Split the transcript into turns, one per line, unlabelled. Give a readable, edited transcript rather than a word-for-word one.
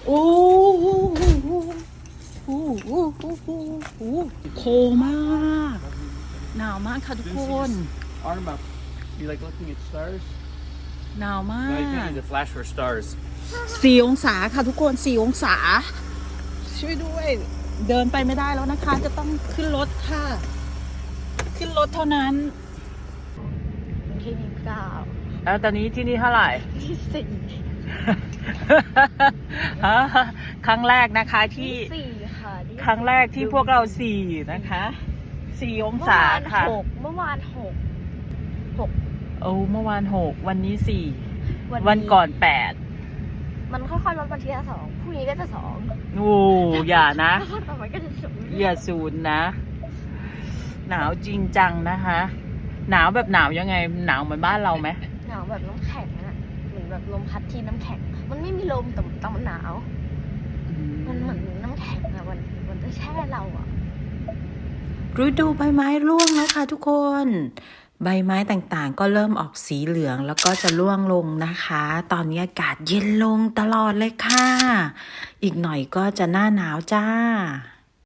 โอ้โหโอ้โหโอ้โหโอ้โหโคมากหนาวมากค่ะทุกคน
Arm up. You like looking at stars?
หนาวมา
No, you can't
ก
use a flash for stars.
4 องศาค่ะทุกคน4 องศาช่วยด้วยเดินไปไม่ได้แล้วนะคะจะต้องขึ้นรถค่ะขึ้นรถเท่านั้น
ที่นี่เก้า
แล้วตอนนี้ที่นี่เท่าไหร่
ที่สี่
ครั้งแรกนะคะที่
สี่ค่ะที่
ครั้งแรกที่พวกเรา4นะคะ4 องศาค่ะ
เมื่อวานหก
โอ้เมื่อวาน6วันนี้4
วัน
วันก่อน
มันค่อยๆลดวันที่สองพรุ่งนี้ก็จะสอง
8โอ้อย่านะ
แล้วต่อไปก็จะศูนย์
อย่าศูนย์นะ หนาวจริงจังนะคะ หนาวแบบหนาวยังไงหนาวเหมือนบ้านเราไหม
หนาวแบบน้ำแข็งอะเหมือนแบบลมพัดที่น้ำแข็งมันไม่มีลมแต่มันหนาวมันเหมือนน้ำแข็งอะมันจะแช่เราอะ
ฤดูใบไม้ร่วงแล้วค่ะทุกคน ใบไม้ต่างๆก็เริ่มออกสีเหลืองแล้วก็จะร่วงลงนะคะ ตอนนี้อากาศเย็นลงตลอดเลยค่ะ อีกหน่อยก็จะหน้าหนาวจ้า